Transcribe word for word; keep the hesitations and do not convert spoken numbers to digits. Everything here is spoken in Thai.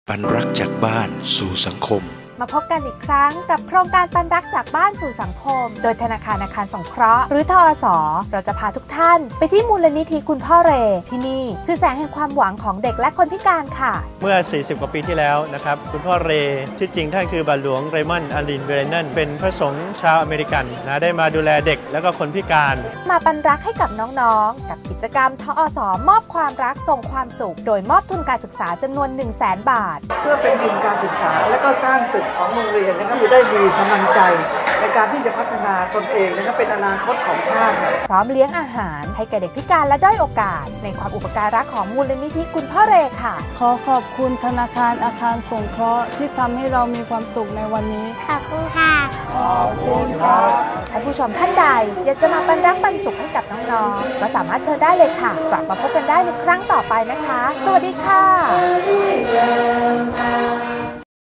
ปันรักจากบ้านสู่สังคมมาพบกันอีกครั้งกับโครงการปันรักจากบ้านสู่สังคมโดยธนาคารอาคารสงเคราะห์หรือทอส.เราจะพาทุกท่านไปที่มูลนิธิคุณพ่อเรที่นี่คือแสงแห่งความหวังของเด็กและคนพิการค่ะเมื่อ สี่สิบ กว่าปีที่แล้วนะครับคุณพ่อเรที่จริงท่านคือบาทหลวงเรมอนด์อารินเบรนันเป็นพระสงฆ์ชาวอเมริกันนะได้มาดูแลเด็กและก็คนพิการมาปันรักให้กับน้องๆกับกิจกรรมทอส.มอบความรักส่งความสุขโดยมอบทุนการศึกษาจำนวน หนึ่งแสน บาทเพื่อเป็นทุนการศึกษาและก็สร้างตึกของโรงเรียนนะครับจะได้มีกำลังใจในการที่จะพัฒนาตนเองนะครับเป็นอนาคตของชาติพร้อมเลี้ยงอาหารให้แก่เด็กพิการและด้อยโอกาสในความอุปการะของมูลนิธิคุณพ่อเรค่ะขอขอบคุณธนาคารอาคารสงเคราะห์ที่ทำให้เรามีความสุขในวันนี้ขอบคุณค่ะขอบคุณครับท่านผู้ชมท่านใดอยากจะมาปันรักปันสุขให้กับน้องๆก็สามารถเชิญได้เลยค่ะกลับมาพบกันได้ในครั้งต่อไปนะคะสวัสดีค่ะ